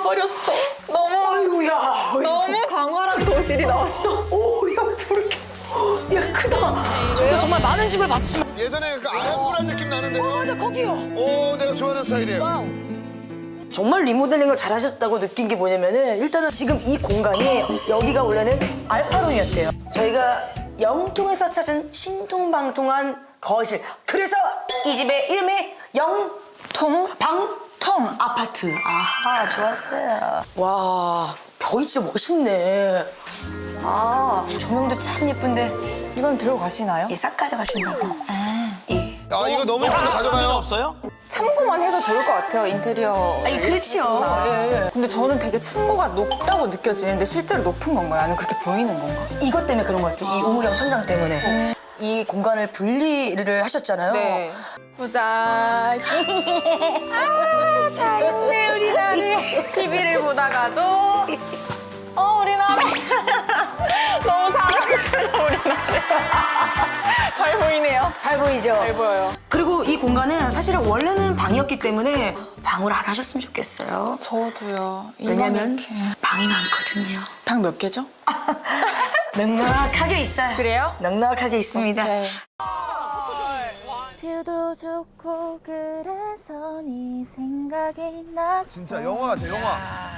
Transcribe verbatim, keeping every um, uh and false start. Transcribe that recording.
버렸어. 너무 아이고야. 너무 광활한 거실이 나왔어. 오야 이렇게. 야 크다. 저희가 정말 많은 집을 봤지만 예전에 그 아랑브란 느낌 나는데요? 맞아 거기요. 오, 내가 좋아하는 스타일이에요. 정말 리모델링을 잘하셨다고 느낀 게 뭐냐면은 일단은 지금 이 공간이 여기가 원래는 알파룸이었대요. 저희가 영통에서 찾은 신통방통한 거실. 그래서 이 집의 이름이 영통방통 아파트. 아하 좋았어요. 와 벽이 진짜 멋있네. 아 조명도 참 예쁜데 이건 들어가시나요? 이 싹 가져가신다고. 이. 아, 이거 너무 예쁜데 가져가요. 없어요? 참고만 해도 좋을 것 같아요, 인테리어. 아니 그렇지요. 예. 근데 저는 되게 층고가 높다고 느껴지는데 실제로 높은 건가요? 아니면 그렇게 보이는 건가? 이것 때문에 그런 것 같아요. 이 우물형 천장 때문에. 이 공간을 분리를 하셨잖아요. 네. 보자. 아, 잘 있네, 우리 나리. 티비를 보다가도. 어, 우리 나리. 너무 사랑스러워, 우리 나리. 잘 보이네요. 잘 보이죠? 잘 보여요. 그리고 이 공간은 사실은 원래는 방이었기 때문에 방을 안 하셨으면 좋겠어요. 저도요. 왜냐면 이렇게. 방이 많거든요. 방 몇 개죠? 넉넉하게 있어요. 그래요? 넉넉하게 있습니다. 네. 뷰도 좋고 그래서 네 생각이 났어. 진짜 영화 같아, 영화.